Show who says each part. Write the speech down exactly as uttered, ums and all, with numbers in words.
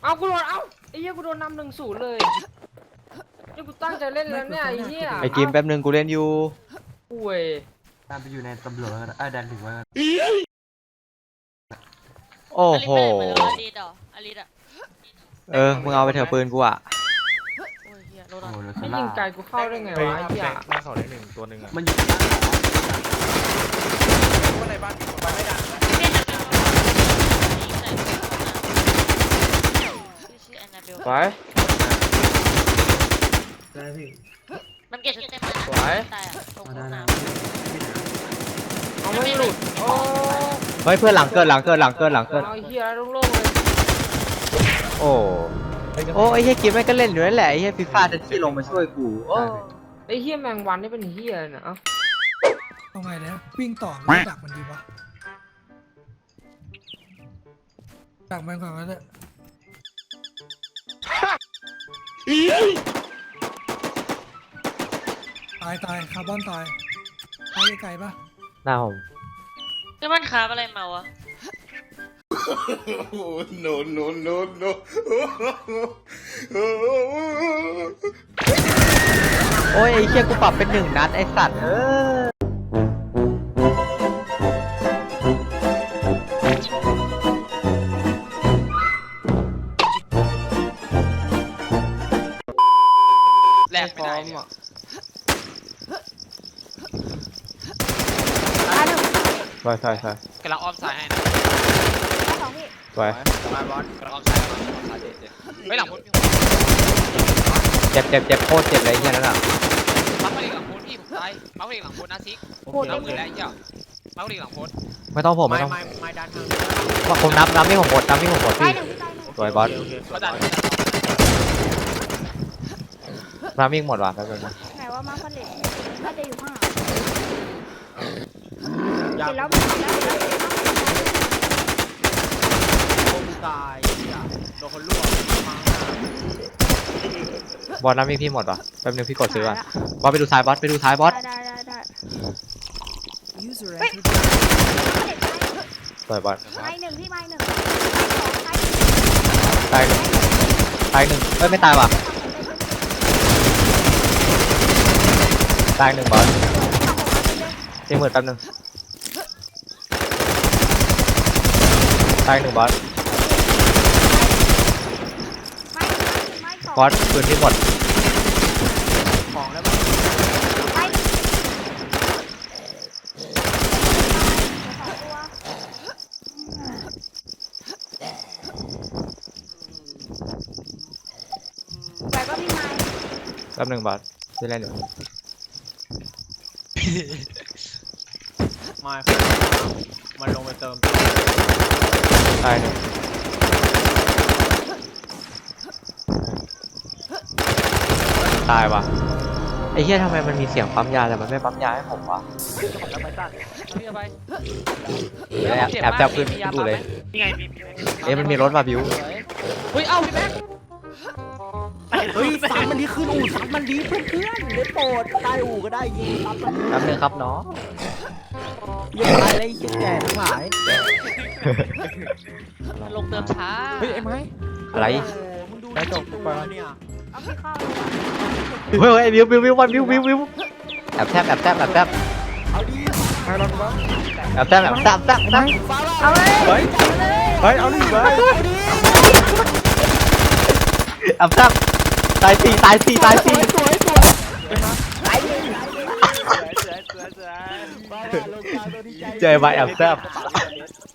Speaker 1: เอากูโดนเอ้าไอ้เหี้ยกูโดนนำหนึ่งศูนย์เลยนี่กูตั้งใจเล่นแล้วเนี่ยไอ้เหี้ย
Speaker 2: ไอ้กิมแป๊บนึงกูเล่นอยู่
Speaker 1: อุ้ย
Speaker 3: ตามไปอยู่ในตำรวจแล้วกันเออดันถึงว่า
Speaker 2: โอ้โห
Speaker 4: อลิสเหรออลิสอ่ะ
Speaker 2: เออมึงเอาไปเถอะปืนกูอะ
Speaker 4: โอ้ยเฮียโดน
Speaker 3: โอ้โหโร
Speaker 1: ไม่
Speaker 3: ซาร่า
Speaker 1: ยิงไกลกูเข้าได้ไง
Speaker 5: เฮ้ยว
Speaker 1: ะไอ้เหี้ย
Speaker 5: หน้าเขาได้หนึ่งตัวหนึ่งอ่ะ
Speaker 3: มันอยู่ข้างหลัง
Speaker 5: ว่าในบ้านมีคนบ้านไม่ดังนะ
Speaker 4: เล่นชื่อแอนนาเบล
Speaker 1: สวย
Speaker 4: มันเก็บชุดเต็มเลยนะ
Speaker 1: สวย
Speaker 4: ตายอ่ะตรง
Speaker 3: เอาได้
Speaker 4: น้
Speaker 3: นะ
Speaker 1: เอาไม่หลุดโอ้
Speaker 2: เฮ้ยเพื่อนหลังเกิดหลังเกิดหลังเกิดหลังเกิด
Speaker 1: เอาไอ้เหี้ยโล่งๆเลย
Speaker 2: โอ้โอ้ไอ้เหี้ยกิมแม่งก็เล่นอยู่นั่นแหละไอ้เหี้ยฟีฟ่าจะที่ลงมาช่วยกูโอ้
Speaker 1: ไอ้เหี้ยแมงวันนี่เป็นเหี้ยเลยนะเอ้า
Speaker 6: เอาไงนะวิ่งต่อไม่ดักมันดีวะดักมันก่อนก็ได้ตายตายคาร์บอนตายตายไกลๆปะ
Speaker 2: หน้าผม
Speaker 4: ำแล้วมันคาบอะไรมาวะ
Speaker 5: no no no no
Speaker 2: โอ้ยไอ้เหี้ยกูปรับเป็นหนึ่งนัดไอ้สัตว์เออ
Speaker 5: แลกไม่ได้
Speaker 1: พร้อ
Speaker 5: เนี่ย
Speaker 1: อ่ะ
Speaker 2: สวยสวยสวย
Speaker 5: กำลังอ้อมซ้ายให้นะ
Speaker 2: สวย
Speaker 5: มาบอสกำลังอ้อมซ้ายมาอ้อมซ้ายเจ็บเจ็บไม่หลังพ้น
Speaker 2: เจ็บเจ็บเจ็บโคตรเจ็บเลยไอ้เหี้ยนั่นอะ
Speaker 5: ปั๊บมาดิหลังพ้นพี่ผมตายปั๊บมาดิหลังพ้นนะซิกน้ำมือแล้วไอ้เหี้ยปั๊บมาดิหลังพ้น
Speaker 2: ไม่ต้องผมไม่
Speaker 5: ไม่
Speaker 2: ต้อง
Speaker 5: ไม่ไม่ดันทาง
Speaker 2: ว่าผมนับนับนี่ผมหมดนับนี่ผมหมดพี่สวยบอส
Speaker 5: เขาดัน
Speaker 2: นับนี่หมดว่ะแป๊บนึงนะ
Speaker 7: ไหนว่ามาผลิตน่าจะอยู่ข้างหลัง
Speaker 5: ยา
Speaker 7: เห็นแล้วเห็นแล้วเห็นแล้วเห็นแล้ว
Speaker 5: โอ้ตายโดนคนลวกมา
Speaker 2: บอสนับนี่พี่หมดว่ะแป๊บนึงพี่กดซื้อก่อนบอสไปดูซ้ายบอสไปดูซ้ายบอส
Speaker 7: ได้ได้ได้ได้
Speaker 2: สวยบอส
Speaker 7: ไม้หนึ่งที่ไม้หนึ่ง
Speaker 2: ตายหนึ่งตายหนึ่งเอ้ยไม่ตายว่ะตายหนึ่งบอสตีหมื่นแป๊บนึงตายหนึ่งบอส
Speaker 7: ไม้ไม้สอง
Speaker 2: บอสปืนที่หมด
Speaker 5: ของแล้ว
Speaker 7: ไม้สองตัวไปก็พี่ไม้
Speaker 2: แป๊บนึงบอสที่เล่นอยู่
Speaker 5: มามันลงไปเติม
Speaker 2: ตายหนึ่งตายว่ะไอ้เหี้ยทำไมมันมีเสียงปั๊มยาแต่มันไม่ปั๊มยาให้ผมวะ
Speaker 5: แล้วไปตัดพี่ไป
Speaker 2: แอบแอบจับปืนดูเลย
Speaker 5: นี่ไงมี
Speaker 2: เอ๊ะมันมีรถมาบิว
Speaker 1: เฮ้ยเอ้าพี่แบ๊ก
Speaker 8: เฮ้ยสันมันดีขึ้นอู่สันมันดีเพื่อนเพื่อนได้โปรดตายอู่ก็ได้ยิงซับมัน
Speaker 2: แป๊บนึงครับน้อง
Speaker 8: อย่าตายเลยไอ้เหี้ยแก่ทั้งหลาย
Speaker 4: มันลงเติมช้า
Speaker 8: เฮ้ยไอ้ไม้
Speaker 2: อะไร
Speaker 8: มึงดู
Speaker 5: ได้จบไป
Speaker 8: เนี่ย
Speaker 7: เอาพี่เข้า
Speaker 2: เฮ้ยเฮ้ยบิวบิวบิววันบิวบิวบิวแอบแทบแอบแทบแอบแทบ
Speaker 8: เอาดี
Speaker 1: ใครรอนวะ
Speaker 2: แอบแทบแอบแทบแอบแทบแอบแทบ
Speaker 1: เอาเลย
Speaker 2: เฮ้ยเฮ้ยเอาดิเฮ้ยแอบแทบตายสี่ตายสี่ตายสี่
Speaker 8: สวยสวยตายเลย
Speaker 5: เสือเสือเสือ
Speaker 8: บ้าบ้าลงกลางตัวดีใจ
Speaker 2: เจอมาแอบแทบ